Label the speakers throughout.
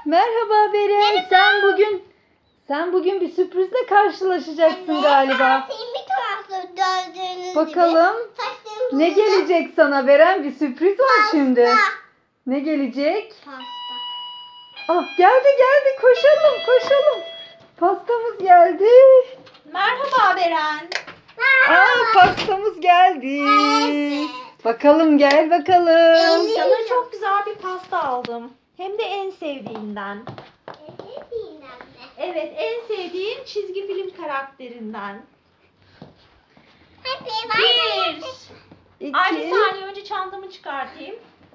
Speaker 1: Merhaba Beren. Sen bugün bir sürprizle karşılaşacaksın galiba. Bakalım ne gelecek sana Beren? Bir sürpriz var şimdi. Ne gelecek?
Speaker 2: Pasta.
Speaker 1: Ah geldi koşalım. Pastamız geldi.
Speaker 3: Merhaba Beren.
Speaker 1: Pastamız geldi. Bakalım gel bakalım.
Speaker 3: Sana çok güzel bir pasta aldım. Hem de en sevdiğinden. Evet, en sevdiğin çizgi film karakterinden. Bir. Ay bir saniye önce çantamı çıkartayım.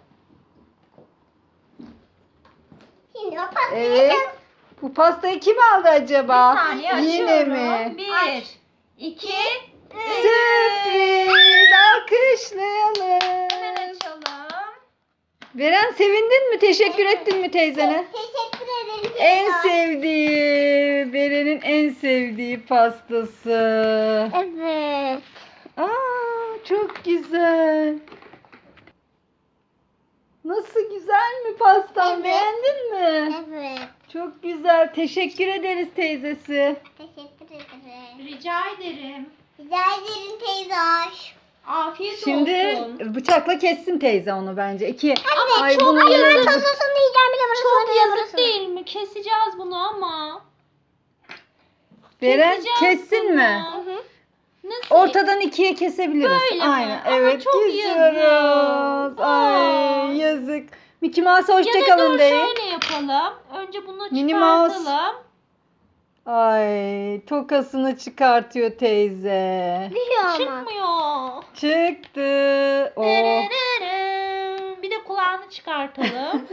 Speaker 2: Şimdi o pastayı
Speaker 1: Evet. Bu pastayı kim aldı acaba?
Speaker 3: Bir saniye
Speaker 1: Yine
Speaker 3: açıyorum.
Speaker 1: mi?
Speaker 3: Bir, iki,
Speaker 1: Sürpriz. Alkışlayalım.
Speaker 3: hemen açalım.
Speaker 1: Beren sevindin mi? Teşekkür ettin mi teyzene?
Speaker 2: teşekkür ederim.
Speaker 1: En sevdiği, Beren'in en sevdiği pastası.
Speaker 2: Evet.
Speaker 1: Çok güzel. Nasıl güzel mi pastan?
Speaker 2: Evet.
Speaker 1: Beğendin mi?
Speaker 2: Evet.
Speaker 1: Çok güzel. Teşekkür ederiz teyzesi.
Speaker 2: Teşekkür ederim.
Speaker 3: Rica ederim.
Speaker 2: Rica ederim teyze.
Speaker 3: Afiyet
Speaker 1: Şimdi
Speaker 3: olsun.
Speaker 1: bıçakla kessin teyze onu bence.
Speaker 2: Anne
Speaker 1: Ay,
Speaker 2: çok
Speaker 1: bunun
Speaker 2: yazık.
Speaker 1: yazık.
Speaker 2: Tadısını yiyeceğim bile burası.
Speaker 3: Çok yazık değil mi? Keseceğiz bunu ama.
Speaker 1: Beren
Speaker 3: Keseceğiz
Speaker 1: kessin
Speaker 3: bunu.
Speaker 1: mi?
Speaker 3: Nasıl?
Speaker 1: Ortadan ikiye kesebiliriz.
Speaker 3: Böyle mi?
Speaker 1: Aynen.
Speaker 3: Ama
Speaker 1: Evet
Speaker 3: çok
Speaker 1: kesiyoruz.
Speaker 3: yazık.
Speaker 1: Ay yazık. Mickey Mouse
Speaker 3: Ya da
Speaker 1: hoşçakalın
Speaker 3: dur
Speaker 1: deyin.
Speaker 3: şöyle yapalım. Önce bunu
Speaker 1: Minnie Mouse.
Speaker 3: çıkartalım.
Speaker 1: Ay tokasını çıkartıyor teyze.
Speaker 3: Çıkmıyor.
Speaker 1: Çıktı. Oh.
Speaker 3: Dererere. Bir de kulağını çıkartalım.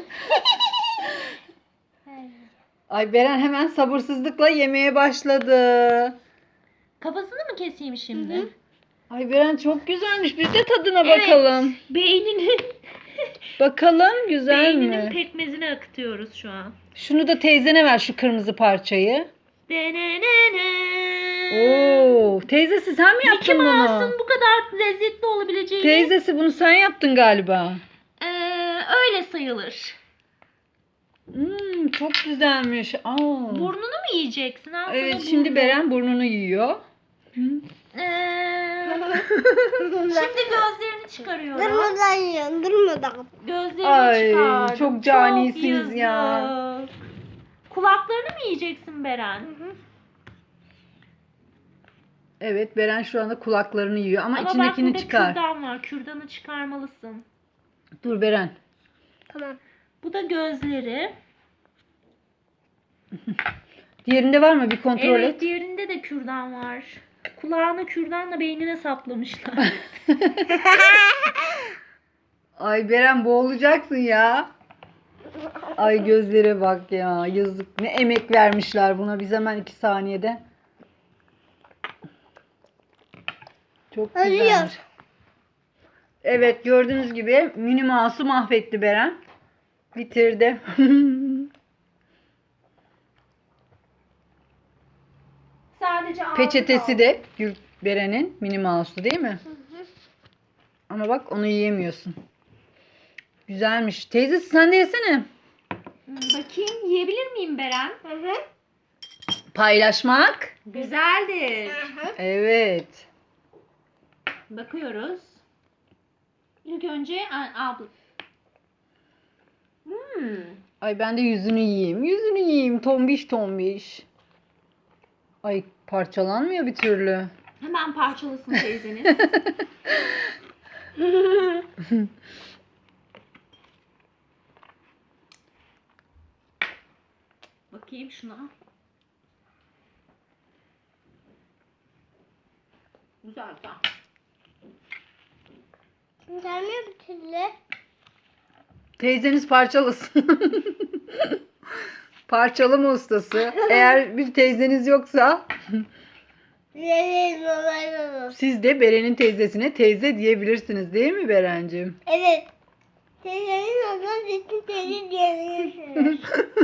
Speaker 1: Ay Beren hemen sabırsızlıkla yemeye başladı.
Speaker 3: Kafasını mı keseyim şimdi?
Speaker 1: Ay Beren çok güzelmiş. Biz de tadına bakalım.
Speaker 3: Beyninin
Speaker 1: Bakalım güzel
Speaker 3: beyninin
Speaker 1: mi?
Speaker 3: pekmezini akıtıyoruz şu an.
Speaker 1: Şunu da teyzene ver şu kırmızı parçayı.
Speaker 3: Denenene.
Speaker 1: Oo, teyzesi sen mi
Speaker 3: Mickey
Speaker 1: yaptın bunu?
Speaker 3: Mouse'un bu kadar lezzetli olabileceğini
Speaker 1: Teyzesi bunu sen yaptın galiba.
Speaker 3: öyle sayılır.
Speaker 1: Çok güzelmiş.
Speaker 3: Burnunu mu yiyeceksin? Al sana
Speaker 1: Evet şimdi
Speaker 3: burnu.
Speaker 1: Beren burnunu yiyor.
Speaker 3: Şimdi gözlerini çıkarıyorum.
Speaker 2: Durmadan yiyorum. Durmadan.
Speaker 3: Gözlerini
Speaker 1: Ay,
Speaker 3: çıkardım.
Speaker 1: çok canisiniz
Speaker 3: yazık.
Speaker 1: ya.
Speaker 3: Kulaklarını mı yiyeceksin Beren?
Speaker 1: Evet Beren şu anda kulaklarını yiyor ama
Speaker 3: Ama bak
Speaker 1: içindekini
Speaker 3: burada
Speaker 1: çıkar.
Speaker 3: kürdan var. Kürdanı çıkarmalısın.
Speaker 1: Dur Beren.
Speaker 2: Tamam.
Speaker 3: Bu da gözleri.
Speaker 1: Diğerinde var mı? Bir kontrol
Speaker 3: Evet,
Speaker 1: et.
Speaker 3: diğerinde de kürdan var. Kulağına kürdanla beynine saplamışlar.
Speaker 1: Ay Beren boğulacaksın ya. Ay gözlere bak ya. Yazık. Ne emek vermişler buna. Biz hemen 2 saniyede. Çok
Speaker 2: Ölüyor.
Speaker 1: güzelmiş. Evet gördüğünüz gibi Minnie Mouse'u mahvetti Beren. Bitirdi.
Speaker 3: Sadece ağzı
Speaker 1: Peçetesi
Speaker 3: kaldı.
Speaker 1: de Beren'in Minnie Mouse'u değil mi? Ama bak onu yiyemiyorsun. Güzelmiş. Teyzesi sen de yesene.
Speaker 3: Bakayım yiyebilir miyim Beren?
Speaker 1: Paylaşmak.
Speaker 3: Güzeldir.
Speaker 1: Evet.
Speaker 3: Bakıyoruz. İlk önce abla.
Speaker 1: Ay ben de yüzünü yiyeyim. Yüzünü yiyeyim. Tombiş tombiş. Ay parçalanmıyor bir türlü.
Speaker 3: Hemen parçalasın teyzeniz. Bakayım şuna. Güzel güzel.
Speaker 2: Gelmiyor bir türlü.
Speaker 1: Teyzeniz parçalasın. Parçalama ustası. Eğer bir teyzeniz yoksa siz de Beren'in teyzesine teyze diyebilirsiniz değil mi Berencim?
Speaker 2: Evet. Teyzenin adına ciddi teyze diyebilirsiniz.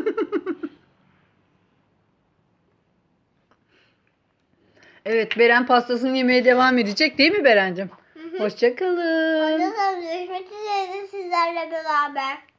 Speaker 1: Evet Beren pastasını yemeye devam edecek değil mi Berencim? Hoşça kalın.
Speaker 2: Ondan sonra görüşmek üzere sizlerle beraber.